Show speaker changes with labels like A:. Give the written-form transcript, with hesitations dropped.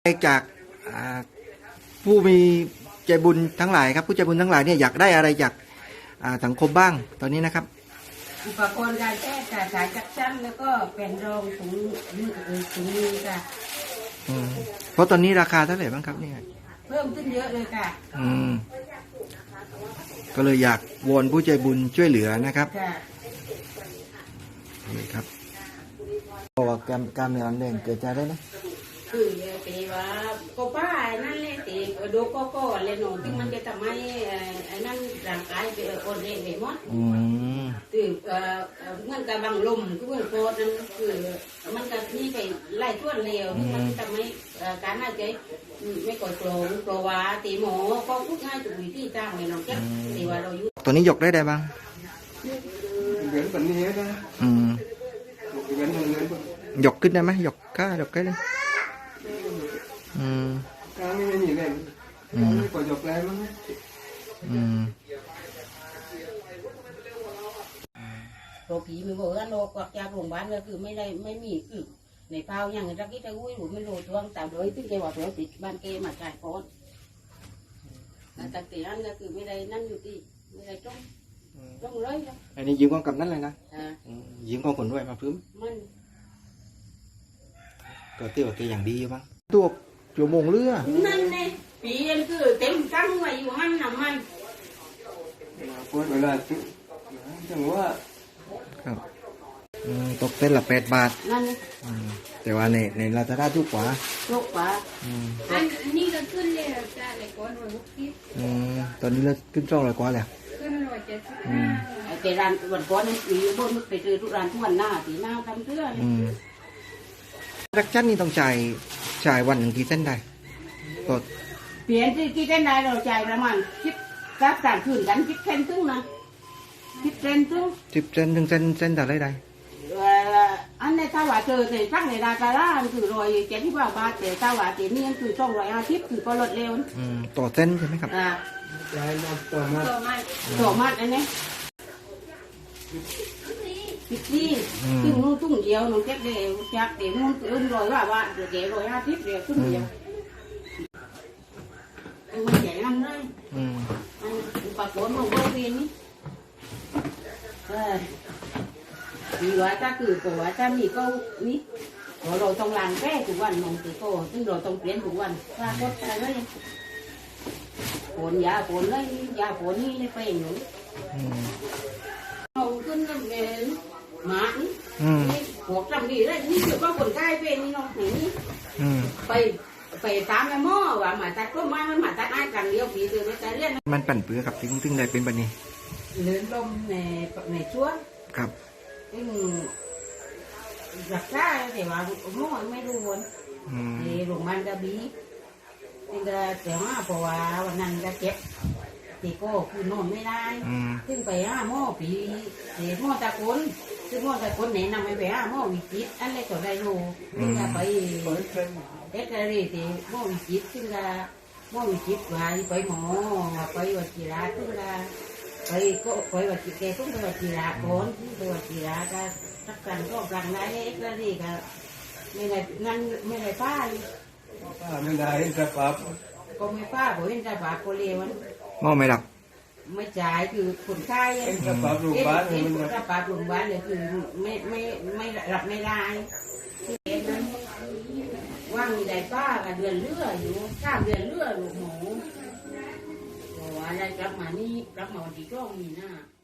A: จากผู้มีใจบุญทั้งหลายครับผู้ใจบุญทั้งหลายเนี่ยอยากได้อะไรจากสังคมบ้างตอนนี้นะครับ
B: อุปกรณ์การแพทย์ค่ะสายจักชั่นแล้วก็เป็นรองถุงมือค่ะ
A: เพราะตอนนี้ราคาเท่าไหร่บ้างครับเนี่ย
B: เพิ่มขึ้นเยอะเลยค่ะ
A: ก็เลยอยากวอนผู้ใจบุญช่วยเหลือนะครับนี่ครับบอกว่ากล้ามเนื้ออ่อนแรงเกิดจากอะไรนะ
B: คือตีว่าก็ป้านั่นเลยตีดูก็เลยหนูที่มันจะทำให้นั่นร่างกายเป็นอ่อนแรงไปหมดคือเหมือนกับบางลมคือเหมือนโคตรนั่นคือมันก็นี่ไปไล่ทั่วเร็วที่มันทำให้การหายใจไม่ก่อโปร่งเพราะว่าตีหมอก็พูดง่ายจุดวิธีจ้างเลยน้องแจ๊คตีว่าเราอยู่
A: ตัวนี้ยกได้บ้าง
C: เหมือนแบบนี้นะ
A: ยกขึ้นได้ไหมยกก้ายกได้เลย
C: การไม่มีเลยไม่กดยกแรงมั้ง
B: โรคผีมีบอกว่าโรคกวักจากโรงพยาบาลก็คือไม่มีคือในเผาอย่างรักที่จะอุ้ยหรือไม่รู้ท้วงแต่โดยที่แกว่าตัวติดบ้านแกมาจ่ายก่อนแต่ตีนั่นก็คือไม่ได้นั่นอยู่ที่ไม่ได้จ้องเลย
A: อันนี้ยืมกองกับนั่นเลยนะยืมกองขนด้วยมาพื้น
B: มัน
A: ก็เตี้ยวตีอย่างดีบ้างตัวชั่วโมงเรือ
B: นั่นไงปีนคือเต็มตั้งไว้อยู่มันน่ะมัน
C: พูดเวลาจังว่า
A: ครับตกเต้นละ8 บาท
B: นั่น
A: แต่ว่าในลาซาด้าถูกกว่า
B: อันนี้ก็ขึ้นเลยจ้าเลยก้อน
A: 160ตอนนี้เราขึ้น200 กว่าแล้ว
B: ขึ้น175แต่ร้านวันก้อนนั้นปีบนไปเจอทุกร้านทุกวันหน้าตีหน้าทำเสื้อ
A: รักจันนี่ต้องจ่ายวันหนึ่งกี่เส้นได้ก็
B: เปลี่ยนกี่เส้นได้เราจ่ายประมาณ10 คืนกัน10 เส้นตึ้งนะ10 เส้นตึ้ง
A: 10 เส้นถึงเส้นแต่ไรได้
B: อันนี้ถ้าว่าเจอแต่ฟังในราคาล่าคือ170 บาทแต่ถ้าว่าเจนี่คือ250คือก็ลดเร็ว
A: ต่อเส้นใช่ไหมครับ
B: ต่อมัดอันนี้ที่ซึ่งนู้นตุ้งเดียวนู้นเจ็บเดียวจักเดียวนู้นอื่น100 บาทเดี๋ยว150เดียวตุ้งเดียวมันใหญ่ลำเลยปากโขนของบริเวณนี้ดีว่าถ้าคือตัวว่าถ้ามีก็นี้เราต้องล้างแก้ทุกวันมองตัวโตซึ่งเราต้องเปลี่ยนทุกวันถ้าก็อะไรเลยฝนยาฝนเลยยาฝนนี่ไปหนูเอาขึ้นน้ำเงินหมานี่พวกจำดีเลยนี่คือว่าคนใกล้เป็นนี่น้องนี่ไปตามแม่หม้อว่าหมาตัดก็ไม้มันหมาตัดไอ้กันเลี้ยวผีเตือนไม่ใจเลี้ยน
A: มันปั่นเปื้อครับซึ่งได้เป็นแบบนี้
B: เลื่อนลมในช่วง
A: ครับ
B: ซึ่งรักษาแต่ว่าหม้อไม่รู้วนในโรงพยาบาลกระบี่ซึ่งก็แต่ว่าเพราะว่าวันนั้นก็เจ็บตีโก้คือนอนไม่ได้ซึ่งไปหม้อผีเสียหม้อตะกุนซึ่งหม้อตะกุนแนะนำไปหม้อวิจิตอันนี้ก็ได้รู้ซึ่งก็ไปเอ็กซ์เรย์ที่หม้อวิจิตซึ่งก็หม้อวิจิตไปหมอไปวัชิระซึ่งก็ไปวัชิแกต้องไปวัชิระก่อนไปวัชิระก็ทักกันก็กลางได้เอ็กซ์เรย์ก็ไม่ได้นั่นไม่ได้ป้า
C: ไม่ได้เห็นสภาพ
B: ก็ไม่ป้าผมเห็นสภาพก็เลว
A: หม้อไม่หลับ
B: ไม่จ่ายคือคนไข้
C: เห็นสภาพโรงพยาบาล
B: สภาพโรงพยาบาลเลยคือไม่รับไม่ได้ว่างมีได้ป้ากับเดือนเลืออยู่3 เดือนเลือลูกหมูบอกว่าได้กลับมานี่กลับมาวันที่2 มีนา